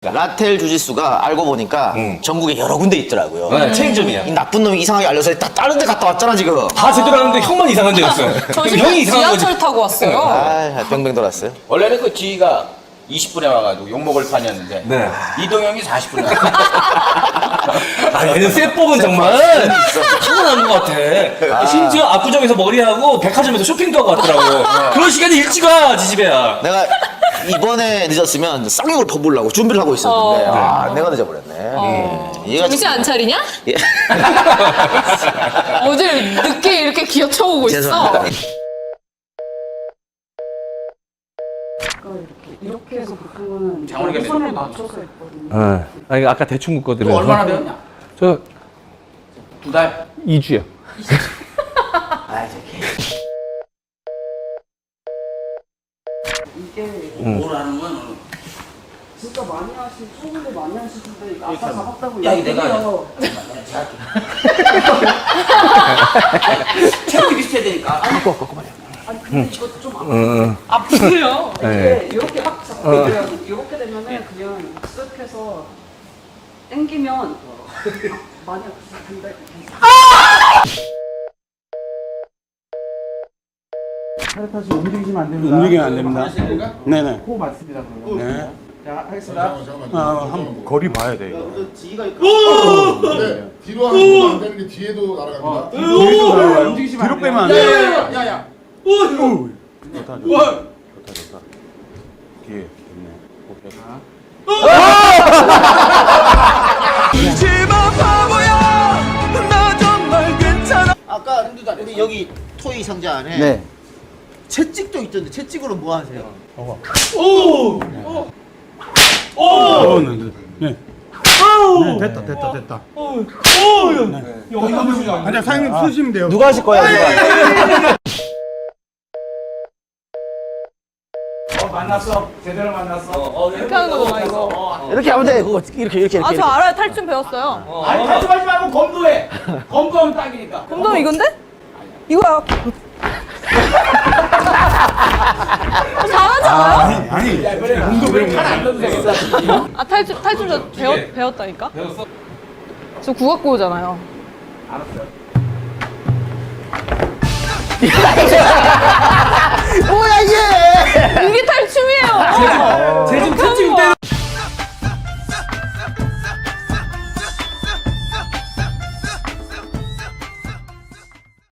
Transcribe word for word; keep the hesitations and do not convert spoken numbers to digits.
있습니까? 라텔 주짓수가 알고 보니까 음. 전국에 여러 군데 있더라고요. 네, 체인점이야. 이 나쁜 놈이 이상하게 알려서 다 다른 데 갔다 왔잖아 지금. 다 제대로 하는데 형만 이상한 데였어요. 저 그럼 지금 형이 이상한 거지. 지하철 타고 왔어요. 아, 뱅뱅 돌았어요. 원래는 그 지희가 이십 분에 와가지고 욕먹을 판이었는데 네. 이동형이 사십 분에 왔어. 아, 얘는 쇠법은 정말 타고난 것 같아. 심지어 압구정에서 머리하고 백화점에서 쇼핑도 하고 왔더라고. 그런 시간에 일찍 와, 지집애야. 내가 이번에 늦었으면 쌍욕을 퍼부으려고 준비를 하고 있었는데 어. 아 내가 늦어버렸네. 어. 얘가 정신 안 차리냐? 예. 어딜 늦게 이렇게 기어쳐오고 있어. 죄송합니다. 이렇게 해서 보통은 장원이가 선에 맞춰서 했거든요. 어. 아니, 아까 대충 묶어드려서. 너 얼마나 배웠냐? 저 두 달? 이 주요. 이게 뭘 하는 거야 너는? 진짜 많이 하신 초보들 많이 하시는데 이거 아까 잡았다고 야, 이거 내가 얘기해요. 체력이 비슷해야 되니까. 아니 근데 이거 좀 아파. 응. 아프세요. 네. 이게 이렇게 딱 잡고 그냥 이렇게 되면은 그냥 쓱 해서 당기면 아, 많이 아프실 텐데 팔타시 움직이시면 안 됩니다. 움직이면 안 됩니다. 네네. 호 맞습니다. 그러면. 네. 자, 하겠습니다. 아, 한번 거리 봐야 돼. 이거. 네, 뒤로 하는 것도 안 되는 게 뒤에도 날아갑니다. 뒤로 날아가요. 움직이시면 뒤로 빼면 안 돼. 야야야. 오! 좋다, 좋다. 좋다, 좋다. 뒤에 좋네. 오케이. 아까 우리 여기 토이 상자 안에 네. 채찍도 있던데 채찍으로 뭐 하세요? 오, 네, 네. 네. 네, 됐다, 됐다, 됐다. 네. 아니야, 사장님 쓰시면 돼요. 누가 하실 거야? 누가? 만났어. 제대로 만났어. 이렇게 하는 거구나 이거. 이렇게 하면 돼. 그거 이렇게 이렇게 아 이렇게. 저 알아요. 탈춤 배웠어요. 아니, 탈춤하지 말고 검도해. 검도하면 딱이니까. 검도 이건데? 이거야. 잘하잖아요. 아니, 아니. 검도 배우면 칼안 넣어도 되겠다. 아 탈춤 탈춤 저 배웠 배웠다니까. 배웠어? 저 국악고잖아요. 뭐야 이게? 이게 탈춤이에요. 쟤 지금 채찍 때려.